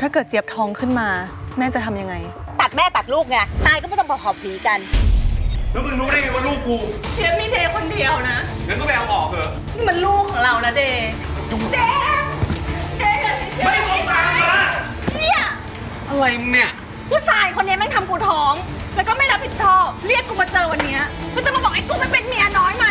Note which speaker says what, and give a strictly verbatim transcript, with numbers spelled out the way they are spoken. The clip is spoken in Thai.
Speaker 1: าเกิดเจี๊ยบท้องขึ้นมาแม่จะทำยังไง
Speaker 2: ตัดแม่ตัดลูกไงตายก็ไม่ต้องพอขอบผีกัน
Speaker 3: แล้วมึงรู้ได้ไงว่าลูกกู
Speaker 1: เจี๊ยบมีเดย์คนเดียวนะ
Speaker 3: งั้นก็ไปเอาออกเถอะ
Speaker 1: นี่มันลูกของเรานะเดย์เดย์เดย์
Speaker 3: ไม่ต้องตามมา
Speaker 1: เนี่ย
Speaker 3: อะไรมึงเนี่ย
Speaker 1: ผู้ชายคนนี้แม่งทำกูท้องแล้วก็ไม่รับผิดชอบเรียกกูมาเจอวันนี้ก็จะมาบอกไอ้กูมันเป็นเมียน้อยมา